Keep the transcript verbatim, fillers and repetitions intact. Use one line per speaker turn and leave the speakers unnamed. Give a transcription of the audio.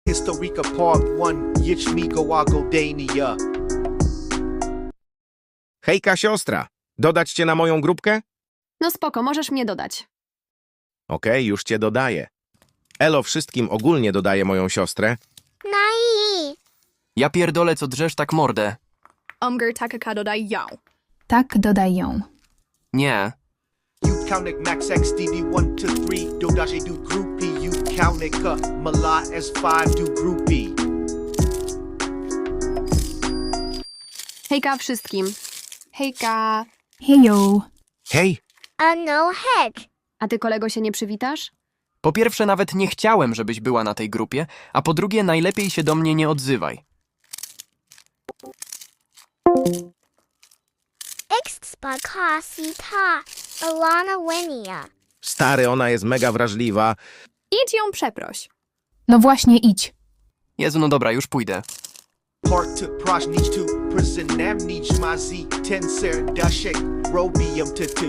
Historica Part one, Yichmigo Agodania.
Hejka, siostra! Dodać cię na moją grupkę?
No spoko, możesz mnie dodać.
Okej, już cię dodaję. Elo wszystkim ogólnie dodaje moją siostrę.
Nai.
Ja pierdolę, co drzesz tak mordę.
Umger takaka dodaj ją.
Tak, dodaj ją.
Nie.
You counted Max X D D one to three, Dodaje do groupie. You counted Ka Mala S five do groupie.
Hejka wszystkim.
Hejka.
Hejo.
Hej!
A no heck.
A ty, kolego, się nie przywitasz?
Po pierwsze, nawet nie chciałem, żebyś była na tej grupie, a po drugie, najlepiej się do mnie nie odzywaj.
Xspakasi ta. Alana Winia.
Stary, ona jest mega wrażliwa.
Idź ją przeproś.
No właśnie, idź.
Jezu, no dobra, już pójdę.
Park to Praj needs to prison nam needs my Z ten ser dashek robium to two.